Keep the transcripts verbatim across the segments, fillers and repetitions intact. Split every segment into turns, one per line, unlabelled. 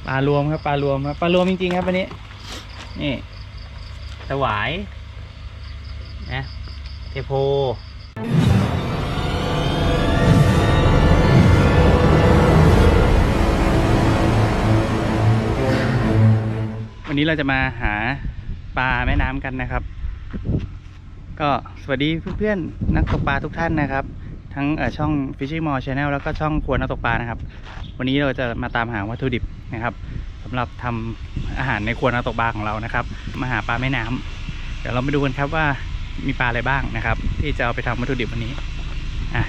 ปลารวมครับปลารวมครับปลารวมจริงๆครับวันนี้นี่สวายนะเทโพวันนี้เราจะมาหาปลาแม่น้ำกันนะครับก็สวัสดีเพื่อนๆนักตกปลาทุกท่านนะครับทั้งช่อง Fishing Mall Channel แล้วก็ช่องครัวนักตกปลานะครับวันนี้เราจะมาตามหาวัตถุดิบนะครับสำหรับทำอาหารในครัวนักตกปลาของเรานะครับมาหาปลาแม่น้ำเดี๋ยวเราไปดูกันครับว่ามีปลาอะไรบ้างนะครับที่จะเอาไปทำวัตถุดิบวันนี้อ่ะ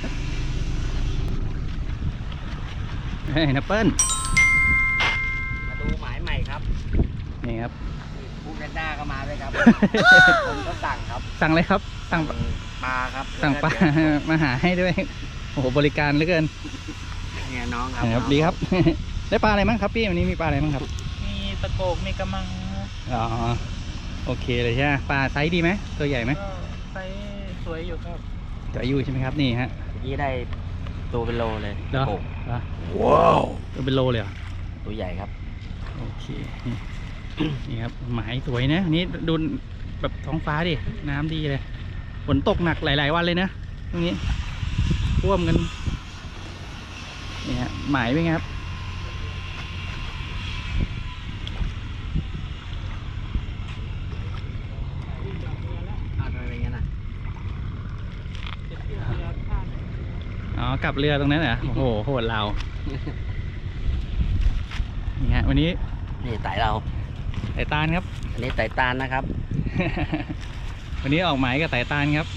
เฮ้ยนัปเปิ้ล
มาดูหมายใหม่ครับ
นี่ครับ
ผู้แพนด้าก็มาด้วยครับ ผมก็สั่งครับ
สั่งเลยครับสั่ง
ปลาครับ
สั่งปลามาหาให้ด้วยโอ้โหบริการเหลือเกิน
เนี่ยน้องครับ
ครับดีครับได้ปลาอะไรบ้างครับพี่วันนี้มีปลาอะไรบ้างครับ
มีตะโกกมีกระมัง
อ๋อโอเคเลยใช่ไหมปลาไซส์ดีไหมตัวใหญ่ไหม
ไซส์สวยอยู่ครับ
สวยอยู่ใช่ไหมครับนี่ฮะ
นี่ได้ตัวเป็นโลเลย
ตะโกกว้าวตัวเป็นโลเลยเหรอ
ตัวใหญ่ครับ
โอเคนี่ครับหมายสวยนะนี่ดูแบบท้องฟ้าดิน้ำดีเลยฝนตกหนักหลายๆวันเลยนะตรงนี้ท่วมกันนี่ฮะหมายเป็นไงครับ
อะไรเงี้ยนะ
อ๋อกลับเรือตรงนั้นเหรอโอ้โหโหดเรานี่ฮะวันนี้
นี่ไต่เรา
ไต่ตาลครับ
อันนี้ไต่ตาลนะครับ
วันนี้ออกหมายกับไต่ตาลครับ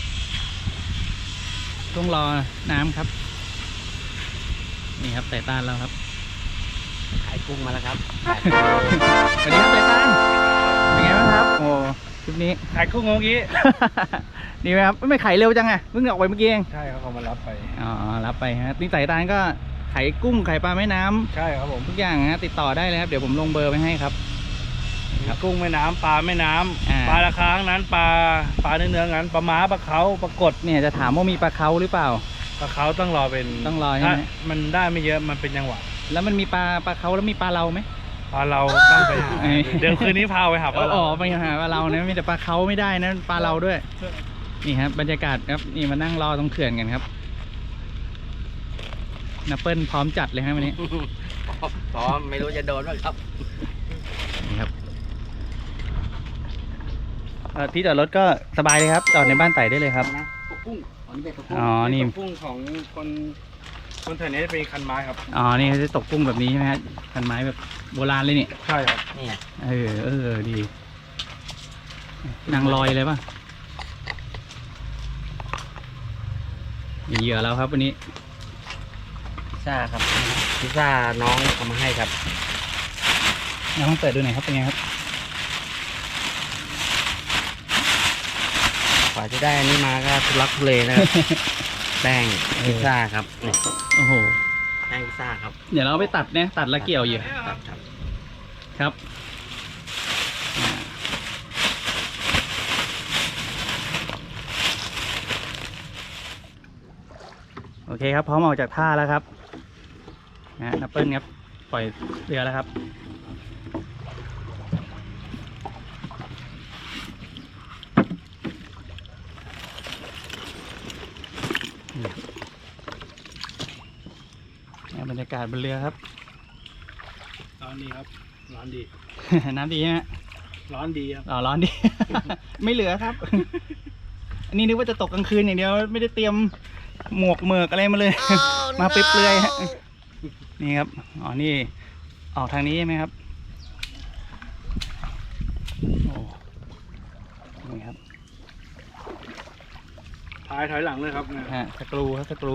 ต้องรอน้ำครับนี่ครับไต่ตาลเราครับ
ขายกุ้งมาแล้วครับ
สวัสดีครับไต่ตาลเป็นไงบ้างครับโอ้คลิปนี้
ขายกุ้งเมื่อกี้
ดีไหมครับไม่ขายเร็วจังไงเพิ่งออกไปเมื่อกี้เอง
ใช่ครับเขามารับไป
อ๋อรับไปฮะนี่ไต่ตาลก็ขายกุ้งขายปลาแม่น้ำ
ใช่ครับผม
ทุกอย่างฮะติดต่อได้เลยครับเดี๋ยวผมลงเบอร์ไปให้ครับ
กุ้งแม่น้ำปลาแม่น้ำปลาราคาทั้งนั้นปลาปลาเนื้อเนื้องั้นปลาม้าปลาเขาปลากด
เนี่ยจะถามว่ามีปลาเขาหรือเปล่า
ปลาเขาต้องรอเป็น
ต้องรอใช่ไหม
มันได้ไม่เยอะมันเป็นจังหวะ
แล้วมันมีปลาปลาเขาแล้วมีปลาเราไหม
ปลาเราต้องไปหาเดี๋ยวคืนนี้พาไปหาปลาเรา
อ๋อไปหาปลาเรานะมีแต่ปลาเขาไม่ได้นะปลาเราด้วยนี่ครับบรรยากาศครับนี่มานั่งรอตรงเขื่อนกันครับนัปเปิลพร้อมจัดเลยครับวันนี้
พร้อมไม่รู้จะโดนบ้างครับ
นี่ครับที่จอดรถก็สบายเลยครับจอดในบ้านไต่ได้เลยครับ
ตกกุ้ง
อ๋อนี่
กุ้งของคนคนแถวนี้เป็นคันไม้ครับ
อ๋อนี่เขาจะตกกุ้งแบบนี้ใช่ไหมฮะคันไม้แบบโบราณเลยนี่
ใช่ครับ
นี่
เออเออดีนางลอยเลยป่ะมีเหยื่อแล้วครับวันนี้
พิซซ่าครับพิซซ่าน้องทำมาให้ครับ
น้องเปิดดูหน่อยครับเป็นไงครับ
กว่าจะได้อันนี้มาก็ทุลักทุเลนะครับแป้งพิซซ่าครับนี่
โอ้โห
แป้งพิซซ่าครับ
เดี๋ยวเราไปตัดเนี่ยตัดแล้วเกี่ยวอยู่ครับโอเคครับพร้อมออกจากท่าแล้วครับนะนัปเปิลครับปล่อยเรือแล้วครับบรรยากาศบนเรือครับ
ร้อนดีครับร้อนดี
น้ำดีใช่ไหม
ร้อนดีครับ
อ๋อร้อนดี ไม่เหลือครับ อันนี้นึกว่าจะตกกลางคืนอย่างเดียวไม่ได้เตรียมหมวกเมือกอะไรมาเลย oh, มาเปลือยๆฮะนี่ครับอ๋อนี่ออกทางนี้ใช่ไหมครับโอ้นี่ครับ
ถอยถอยหลังเลยครับ
ฮะสกรูครับสกรู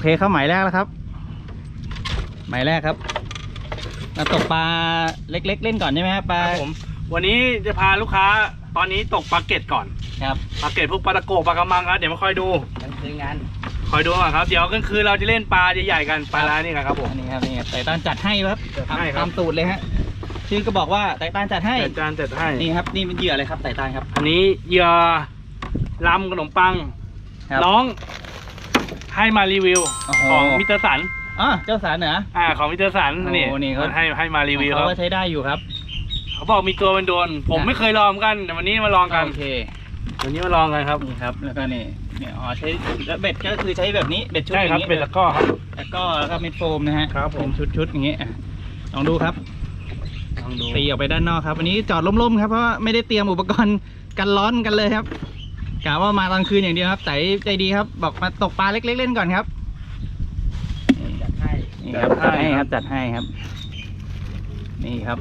เคเข้าหมายแรกแล้วครับ หมายแรกครับมาตกปลาเล็กๆเล่นก่อนใช่ไหมครับปลา
ครับผมวันนี้จะพาลูกค้าตอนนี้ตกปลาเก็ตก่อน
ครับ
ปลาเก็ตพวกปลาตะโกปลากระมังครับเดี๋ยวมาคอยดู
มันคืองาน
คอยดูก่อนครับเดี๋ยวกลางคืนเราจะเล่นปลาใหญ่ๆกันปลาร้านี่ครับผม
อันนี้ครับนี่ไต่ต้านจัดให้ครับ
จัดให้ครับ
ตามตูดเลยฮะชื่อก็บอกว่าไต่ต้านจัดให้
จัดจานจัดให้
นี่ครับนี่เป็นเหยื่ออะไรครับไต่ต้านครับ
อันนี้เหยื่อลำขนมปัง
ครับ
น้องให้มารีวิว
โอ้โห
ของมิสเตอร์สัน
อ๋อเจ้าสารเหนือ
อ่าของมิสเตอร์สัน
โอ้
นี่
นี่เขา
ให้ให้มารีวิวค
เขา
รับ
ก็ใช้ได้อยู่ครับ
เขาบอกมีตัวเป็นโดนผม
นะ
ไม่เคยลองเหมือนกันแต่วันนี้มาลองกัน
โอเค
วันนี้มาลองกันครับ
นี่ครับแล้วก็นี่เนี่ยอ๋อใช้แล้วเบ็ดก็คือใช้แบบนี้เบ็ดชุด
ใช่
อ
ครับ
ย่างนี้
เป็นตะกร้อครับ
แล้วก็แล้วก็เม็ดโฟมนะฮะ
ครับผม
เป็นชุดๆอย่างนี้อ่ะลองดูครับ
ลองดู
ตีออกไปด้านนอกครับวันนี้จอดล่มๆครับเพราะว่าไม่ได้เตรียมอุปกรณ์กันร้อนกันเลยครับกะว่ามาตอนคืนอย่างเดียวครับแต่ใจดีครับบอกมาตกปลาเล็กๆเล่นก่อนครับ
จัดให้
นี่ครับจัดให้ครับจัดให้ครับ นี่ครับ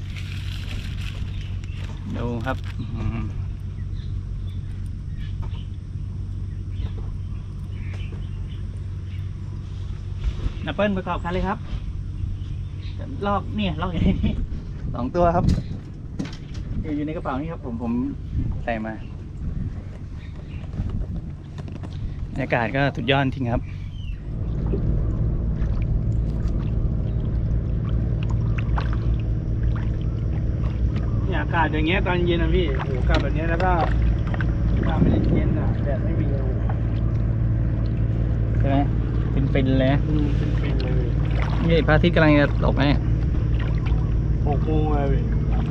ดูครับอืมนับเปิลประกอบคันเลยครับลอกเนี่ยลอกอย่างนี้สองตัวครับอยู่อยู่ในกระเป๋านี่ครับผมผมใส่มาบรรยากาศก็สุดยอดจริงครับ
เนี่ยอากาศอย่างเงี้ยตอนเย็นนะพี่โอ้โหอากาศแบบเนี้ยแล้วก็อากาศไม่ได้เย็นอ่ะแดดไม่มีเลย
ใช่ไหมเป็นเป็นๆเลยนะ
อืมเป็นๆเลย
นี่พระอาทิตย์กำลังจะตกนะเนี่ย
หกโมงเลยพี่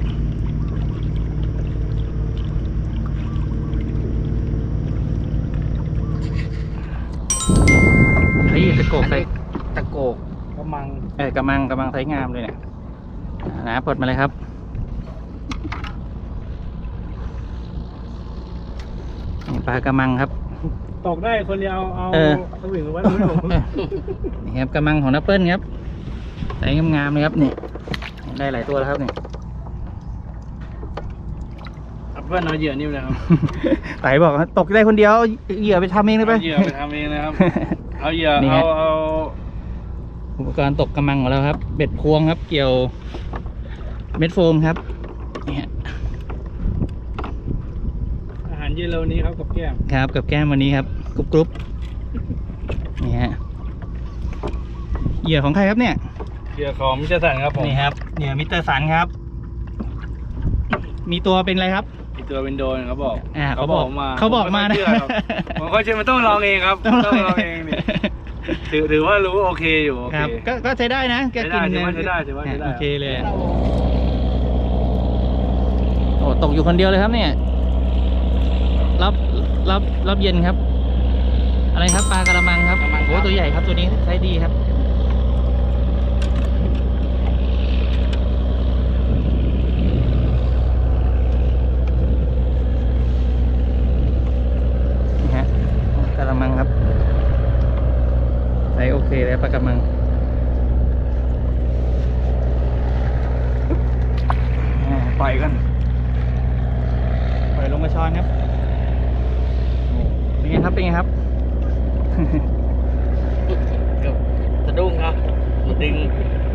เฮ้ยตะโกกใส่
ตะโกก
กำมัง
เออกำลังกำลังใช้งามเลยเนี่ยอ่านะปลดมาเลยครับนี่ปลากระมังครับ
ตกได้คนเดียวเอา
เออ
สวิงไว้ตรงนี้ผม
นี่ครับกระมังของนัปเปิลครับใส่งามๆเลยครับนี่ได้หลายตัวแล้วครับนี่
เพื่อนเอาเหยื่อนิ่มเลยครับ
ไต่บอกว่าตกได้คนเดียวเอาเหยื่อไปทำเองได้ไหม
เอาเหยื่อไปทำเองนะครับ เอาเหยื่อ
นี่
เอา
ฮะ
เอา
อุปกรณ์ตกกระมังของเราครับ เบ็ดพวงครับ เกี่ยวเม็ดโฟมครับนี่ฮะ
อาหารเย็นเราวันนี้ครับกับแก้ม
ครับกับแก้มวันนี้ครับกรุบกรุบนี่ฮะเหยื่อของใครครับเนี่ย
เหยื่อของมิสเตอร์สันครับผม
นี่ครับเหยื่อมิสเตอร์สันครับ มีตัวเป็นอะไรครับ
มีตัวเป็นโดนเขาบอก
อ่าเขาบอก
มา
เขาบอกมานะ
ผมก็เชื่อครับผมก็เชื่อมันต้องลองเองครับ
ต้องลอง
ลองเองนี่ถือถือว่ารู้โอเคอยู่โอ
ค
เครับ
ก็ก็ใช้ได้นะแก
ใช้
กิ
ได้
น
ถือว่าใช้ได้ถือว่าใช้ได้
โอเคเลยอะโอ้ตกอยู่คนเดียวเลยครับเนี่ยรับรับรับเย็นครับ อะไรครับปลากระมังครับโอ้ตัวใหญ่ครับตัวนี้ใช้ดีครับนี่ฮะกระมังครับใช้โอเคเลยปลากระมังอ่าปล่อยกันปล่อยลงมาช้อนครับเป็นไงครับเป็นไงครับ
สะดุ้งครับดึง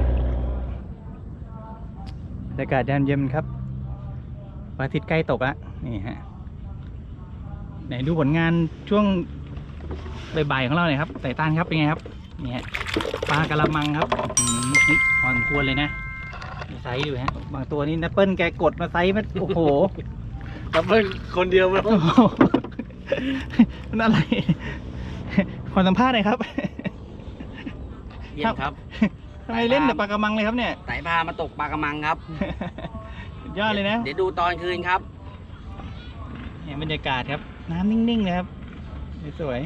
บรรยากาศยามเย็นครับพระอาทิตย์ใกล้ตกแล้วนี่ฮะไหนดูผลงานช่วงบ่ายๆของเราหน่อยครับไต่ต้านครับเป็นไงครับนี่ฮะปลากระมังครับอืมนี่พอสมควรเลยนะมีไซส์อยู่ฮะบางตัวนี่นัปเปิลแกกดมาไซส์มันโอ้โห
ครับเพื่อนคนเดียวมัน
โอ้โหมันอะไรขอสัมภาษณ์หน่อยครับ
เยี่ยมครับ
ทำไมเล่นแต่ปลากระมังเลยครับเนี่ย
ไต่พามาตกปลากระมังครับ
สุดยอดเลยนะ
เดี๋ยวดูตอนคืนครับ
เนี่ยบรรยากาศครับ น้ำนิ่งๆเลยครับสวย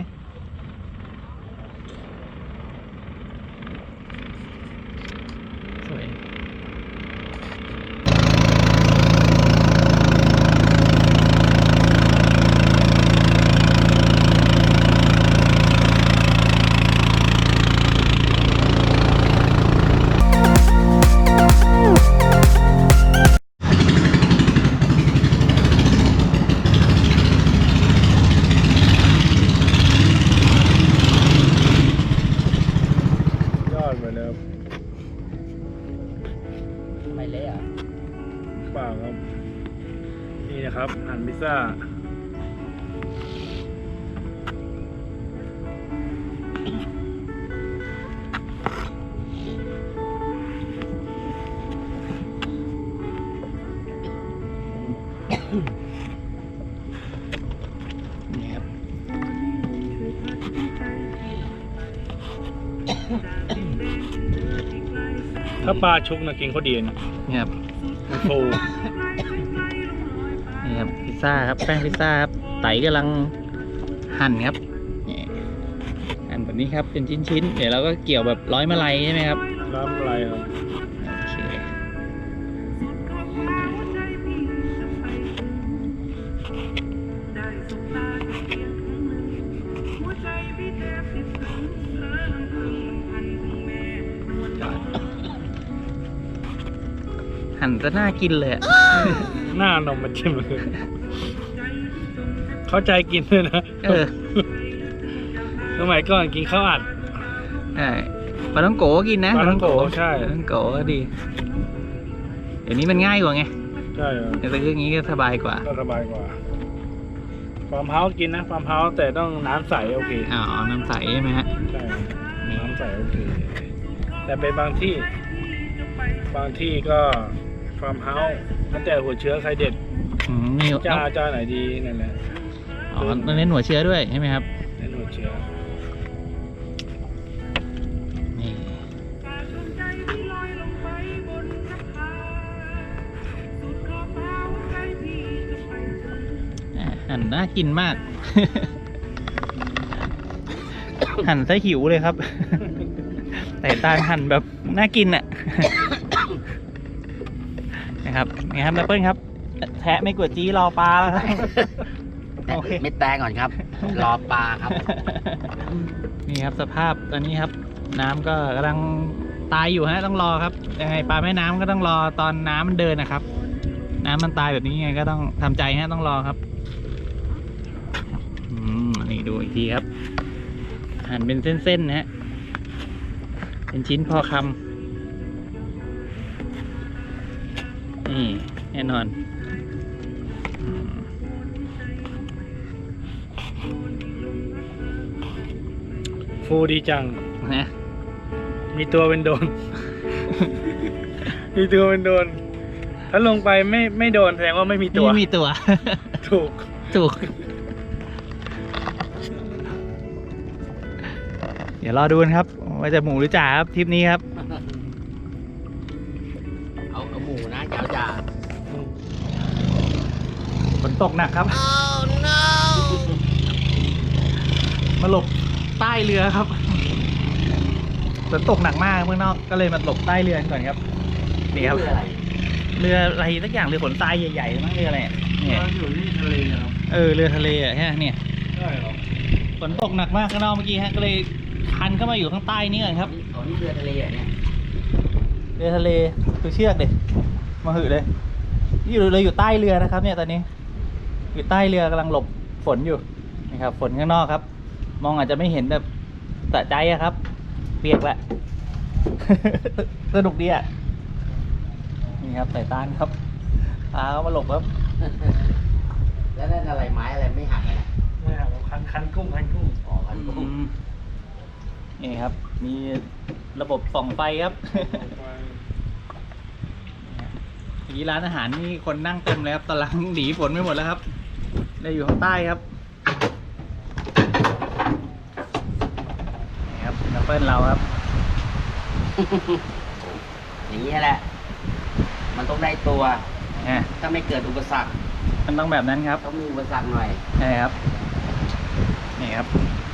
ๆสวย
เปล่าครับนี่นะครับหั่นพิซซ่า
นี่ครับ
ถ้าปลาชุกนะกินเขาดีนะ
นี่ครับ
มันฟู
นี่ครับพิซซ่าครับแป้งพิซซ่าครับไตกำลังหั่นครับนี่หั่นแบบนี้ครับเป็นชิ้นๆเดี๋ยวเราก็เกี่ยวแบบร้อยมะไลใช่ไหมครับ
น้ำอะไรครับ
โอเคหั่นจะน่ากินเลยอะ
หน้านมมาจิ้มเลยเข้าใจกินเลยนะ
เออ
สมัยก่อนกินข้าวอัด
ใช่ปลาท่องโกก็กินนะ
ปลาท่องโกใช่
ปลาท่องโกก็ดี เดี๋ยวนี้มันง่ายกว่าไง
ใช่ครับ
แต่ซื้ออย่างนี้ก็สบายกว่า
ก็สบายกว่าฟาร์มเฮาส์กินนะฟาร์มเฮาส์แต่ต้องน้ำใสโอเค
อ๋อ น้ำใสใช่ไหมฮะ
ใช่น้ำใสโอเค แต่เป็นบางที่ บางที่ก็ฟาร์มเฮาส์แล้วแต่หัวเชื้อใครเด็ด
อืมนี่
จ้าจ้าไหนดีนั่นแหละ
อ๋อต้องเน้นหัวเชื้อด้วยใช่ไหมครับ
ในหัวเชื้อ
นี่อ่ะหั่นน่ากินมาก หั่นซะหิวเลยครับ แต่ตาลหั่นแบบน่ากินอ่ะ นะครับไงครับแอปเปิ้ลครับ แทะไม่กวดจี้รอปลาแล้วครับ โอเค
เม็ดแตงก่อนครับ รอปลาครับ
นี่ครับสภาพตอนนี้ครับ น้ำก็กำลังตายอยู่ฮะต้องรอครับยังไงปลาแม่น้ำก็ต้องรอตอนน้ำมันเดินนะครับ น้ำมันตายแบบนี้ไงก็ต้องทำใจฮะต้องรอครับอืมนี่ดูอีกทีครับหั่นเป็นเส้นๆนะฮะเป็นชิ้นพอคำนี่แน่นอนอืม
ฟูดีจัง
นะ
มีตัวเป็นโดน มีตัวเป็นโดน ถ้าลงไปไม่ไม่โดนแสดงว่าไม่มีตัว
ไม่มีตัว
ถูก
ถูก เดี๋ยวรอดูกันครับ ว่าจะหมูหรือจ่าครับทริปนี้ครับ
เอาเอาหมูนะเจ้าจ่า
ฝนตกหนักครับ มาหลบใต้เรือครับฝนตกหนักมากเมื่อนอกก็เลยมาหลบใต้เรือก่อนครับนี่ครับ
เพื่ออะไร
เรืออะไรสักอย่างเรือขนทรายใหญ่ๆมั้งเรืออะไรอะเนี่ย
เราอยู่ที่ทะเลครับ
เออเรือทะเลอ่ะฮะเนี่ย
ใช่หรอ
ฝนตกหนักมากข้างนอกเมื่อกี้ฮะก็เลยคันเข้ามาอยู่ข้างใต้นี่ก่อนครับ
อ๋อนี่เรือทะเลเหรอเนี่ย
เรือทะเลดูเชือกเด็มาหือเลยนี่อยู่เลยอยู่ใต้เรือนะครับ เนี่ยตอนนี้ อยู่ใต้เรือกำลังหลบฝนอยู่นะครับฝนข้างนอกครับ มองอาจจะไม่เห็นแบบสะใจอะครับ เปียกแหละ สนุกดีอะนี่ครับสายตานครับพาเขามาหลบครับ
แล้วนั่นอะไรไม้อะไรไม่หักเลยนะ
ไม่ครับคันคันกุ้งคันกุ้ง
อ๋อพันกุ้ง
นี่ครับ มีระบบส่องไฟครับ ทีร้านอาหารนี่คนนั่งเต็มเลยครับตอนหลังหนีฝนไม่หมดแล้วครับเลยอยู่ข้างใต้ครับนี่ครับแอปเปิลเราครับ
อย่างนี้แหละ มันต้องได้ตัว
อ่ะ
ถ้าไม่เกิดอุปสรรค
มันต้องแบบนั้นครับ
ต้องมีอุปสรรคหน่อย
ใช่ครับ นี่ครับ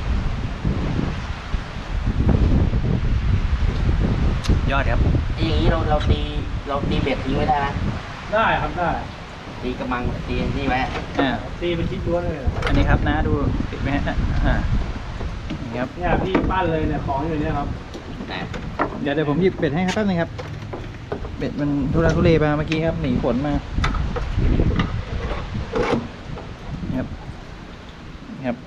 ยอดครับ
ไอ้อย่างนี้เราเราตีเราตีเบ็ดทิ้งไว้ได้ไหม
ได้ครับได้
ตีกระมังตีนี่ไว้
อ่า
ตีเป็นชิ้นล้วนเลย
อันนี้ครับนะดูติดไหมฮะอ่านี่ครับ
เนี่ยพี่ปั้นเลยเนี่ยของอยู่เนี่ยครับ
นะ
เดี๋ยวเดี๋ยวผมหยิบเบ็ดให้ครับแป๊บนึงครับ เบ็ดมันทุรักทุเลมาเมื่อกี้ครับหนีฝนมานี่ครับนี่ครับ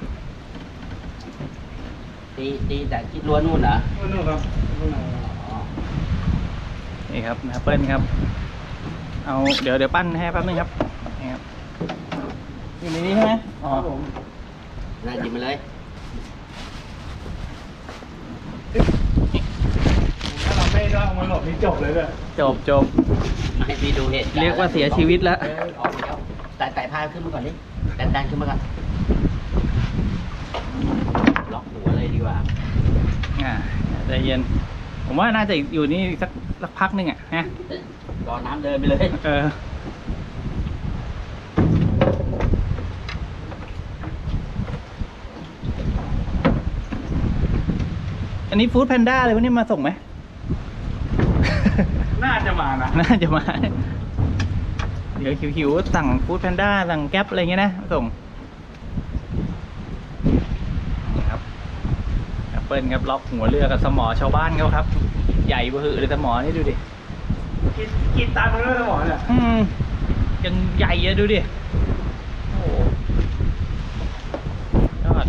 ตีตีแต่คิดล้วนนู่นเหรอ
นู่นครับนู่น
อ๋อ
นี่ครับนะเปิ้ลครับเอาเดี๋ยวเดี๋ยวปั้นให้แป๊บนึงครับนี่ครับอยู่ในนี้ใช่ไหมอ๋อ
น่าหยิบมาเลย
ถ้าเราไม่ได้เอามาหลบนี่จบเลยเลย
จบจบ
ให้พี่ดูเหตุ
เรียกว่าเสียชีวิตแล้ว
เออออกแล้วแต่แต่พาขึ้นมาก่อนดิดันดันขึ้นมาก่อนล็อกหัวเลยดีกว่า
อ่าใจเย็น ผมว่าน่าจะอยู่นี่สักสักพักหนึงอ่ะฮะ
รอน้ำเดินไปเลย
เอออันนี้ฟู้ดแพนด้าเลยวันนี้มาส่งไหม
น่าจะมานะ
น่าจะมา เดี๋ยวหิวๆสั่งฟู้ดแพนด้าสั่งแก๊ปอะไรเงี้ยนะมาส่งนี่ครับแอปเปิลครับล็อกหัวเรือกับสมอชาวบ้านเขาครับ ใหญ่เบอร์เลยสมอนี่ดูดิ
กินกินตามมันด้วยสมองเนี่ย
อืมยังใหญ่อะดูดิ โอ้โหยอด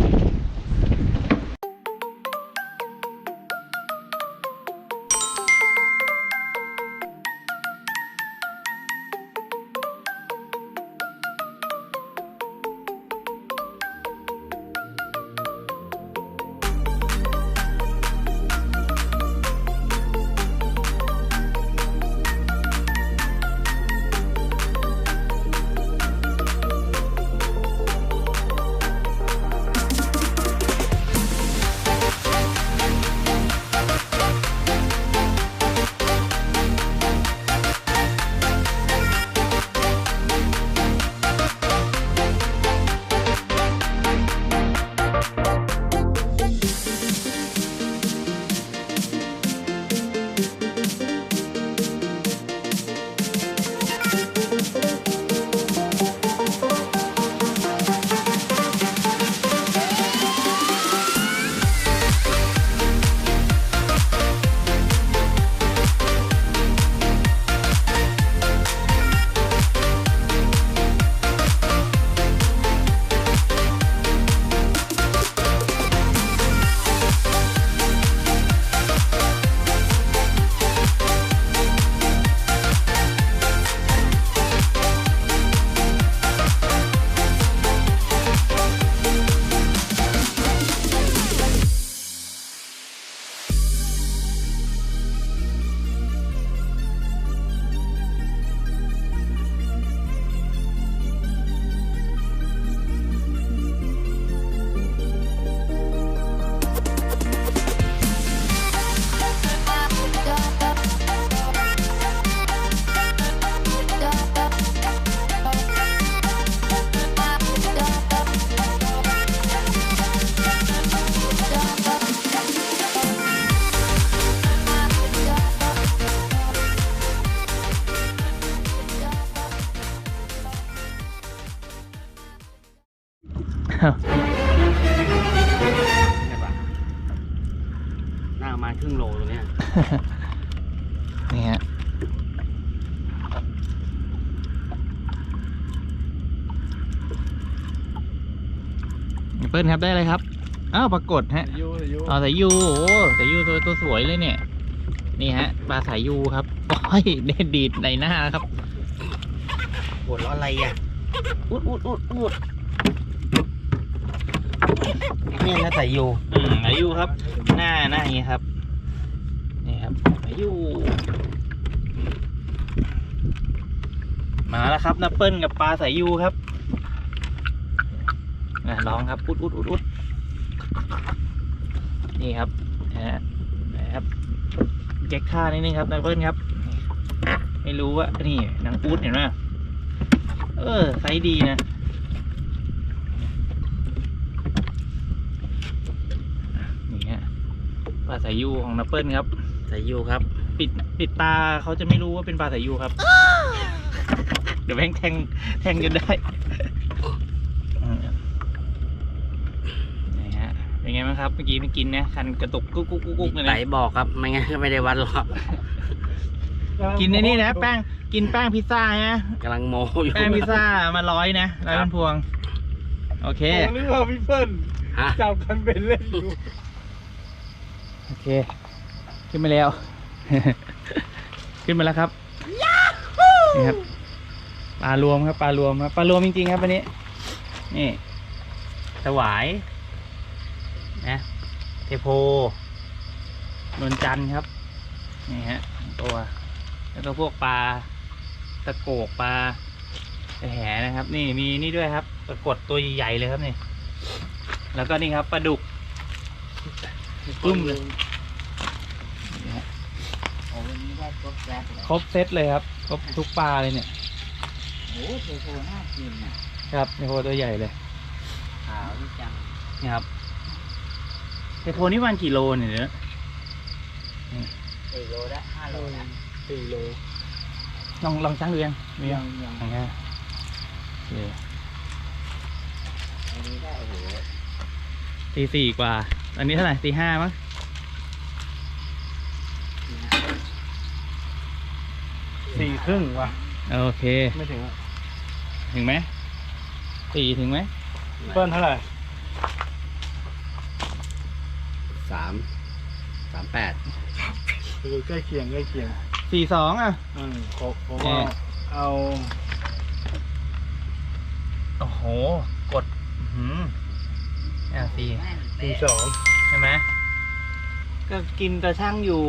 ใช่ปะน่าประมาณครึ่งโลตรงเนี้ย
นี่ฮะเปิ้ลครับได้เลยครับ อ้าวปรากฏฮะ
ยูยู
อ๋อสายยูโอ้สายยูตัวตัวสวยเลยเนี่ย นี่ฮะปลาสายยูครับโอ้ยเด็ดดีดในหน้าครับ
ปวดร้อนอะไรอ่ะอุดอุดอุดอุดนี่นะแต่อยู่
อืมสายยูครับ หน้าหน้าอย่างนี้ครับ นี่ครับสายยูมาแล้วครับนับเปิ้ลกับปลาสายยูครับอ่ะลองครับอุดอุดอุดอุดนี่ครับนะฮะนะครับแก๊กท่านิดนึงครับนับเปิ้ลครับ ไม่รู้ว่านี่นางอุดเห็นไหมเออไซส์ดีนะนี่ฮะปลาสายยูของนับเปิ้ลครับ
แต่อยู่ครับ
ปิดปิดตาเขาจะไม่รู้ว่าเป็นปลาสายยูครับ เดี๋ยวแม่งแทงแทงจนได้อืมนี่ฮะเป็นไงบ้างครับเมื่อกี้ไม่กินนะคันกระตุกกุ๊กกุ๊กกุ๊กกุ๊กเลย
ไต
นะ
บอกครับไม่งั้นก็ไม่ได้วัดหรอก
กินในนี่นะแป้งกินแป้งพิซซ่าฮะ
กำลังโมอยู่
แป้งพิซซ่ามาร้อยนะร้อยเป็นพวง โอเค
ผมนึกว่าพี่เปิ้ล
ฮะ
จับกันเป็นเล่นอยู่
โอเค ขึ้นมาแล้ว ขึ้นมาแล้วครับนี่ครับปลารวมครับปลารวมครับปลารวมจริงๆครับวันนี้นี่สวายนะเทโพนวลจันทร์ครับนี่ฮะตัวแล้วก็พวกปลาตะโกกปลาแหนะครับ นี่มีนี่ด้วยครับปรากฏตัวใหญ่ๆเลยครับนี่แล้วก็นี่ครับปลาดุกกุ้มเลย
โอ้วันนี้ได้ครบแซ่บเลย
ครบเซตเลยครับครบทุกปลาเลยเนี่ย
โอ้โหโหน่ากินอ่ะ
ครับเทโพตัวใหญ่เลย
ขาวนี่จัง
นี่ครับเทโพนี่วันกี่โลเนี่ยเนอะ
สี่โลละห้าโลละ
สี่โล
ลองลองชั่งดูยังมียัง
ยัง
ยังไงโอเค
อันนี้ได้โอ้โห
ตีสี่กว่า อันนี้เท่าไหร่ตีห้ามั้ง
สี่ครึ่งว่ะ
โอเค
ไม่ถึงอะ
ถึงไหมสี่ถึงไหม
เปิ้ลเท่าไหร่
สามสามแปด
คือใกล้เคียงใกล้เคียง
สี่สองอ่ะ
อืมผมผม
แน่
ว่าเอา
โอ้โหกดหืมอ่ะสี่
สี่สอง
ใช่ไหมก็กินตะช่างอยู่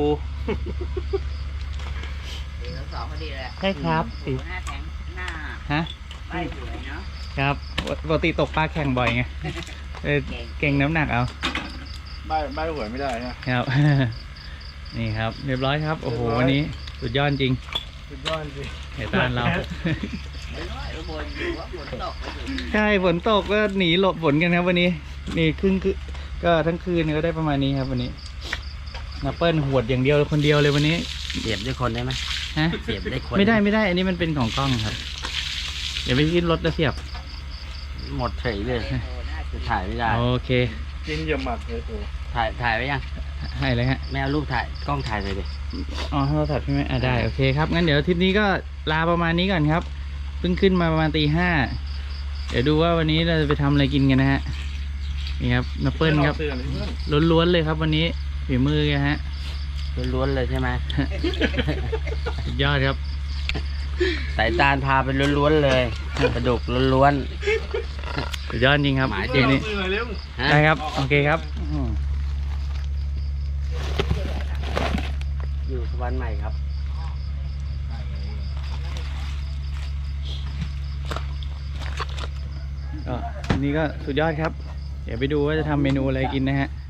สี่แล้วสองพอดีเลย
ใช่ครับ
โอ้
สี่
โหหน้าแข็งหน้า
ฮะ
ใบสวยเนาะ
ครับปกติตกปลาแข่งบ่อยไงเออเก่งน้ำหนักเอา
ใบใบหวยไม่ได้นะครับ
นี่ครับ เรียบร้อยครับ โอ้โห
เรียบร้อย
วันนี้สุดยอดจริง
สุดยอดจริง
เหตุการณ์เรา
ไม่น้อยบนอยู่ว่าฝนตกไปอยู่
ใช่ฝนตกก็หนีหลบฝนกันครับวันนี้ นี่ครึ่งคือก็ทั้งคืนก็ได้ประมาณนี้ครับวันนี้นับเปิลหวดอย่างเดียวคนเดียวเลยวันนี้
เสียบด้วยคนได้ไหม
ฮะ
เสียบได้คน
ไม่ได้ไม่ได้ อันนี้มันเป็นของกล้องครับเดี๋ยวไปขึ้นรถแล้วเสียบ
หมดเฉยเลยจะถ่ายไม่ได้
โอเค
กินอย่าหมักเลยโอ้
ถ่ายถ่ายไว้ยัง
ให้เลยฮะ
ไม่เอารูปถ่ายกล้องถ่ายเลยดิ
อ๋อโทรศัพท์ใช่ไหมอ่ะได้โอเคครับงั้นเดี๋ยวทริปนี้ก็ลาประมาณนี้ก่อนครับเพิ่งขึ้นมาประมาณตีห้าเดี๋ยวดูว่าวันนี้เราจะไปทำอะไรกินกันนะฮะนี่ครับนับเปิลครับ
เตือนเพื่อน
ล้วนๆเลยครับวันนี้ฝีมือแกฮะ
ล้วนๆเลยใช่ไหม
สุดยอดครับ
สายตาลพาไปล้วนๆเลยกระดูกล้วน
สุดยอดจริงครับ
หมาย
ทีนี้
เตือนเร็ว
ๆฮะ
ได้ครับโอเคครับอืม
อยู่สวรรค์ใหม่ครับ
ก็วันนี้ก็สุดยอดครับ เดี๋ยวไปดูว่าจะทำเมนูอะไรกินนะฮะ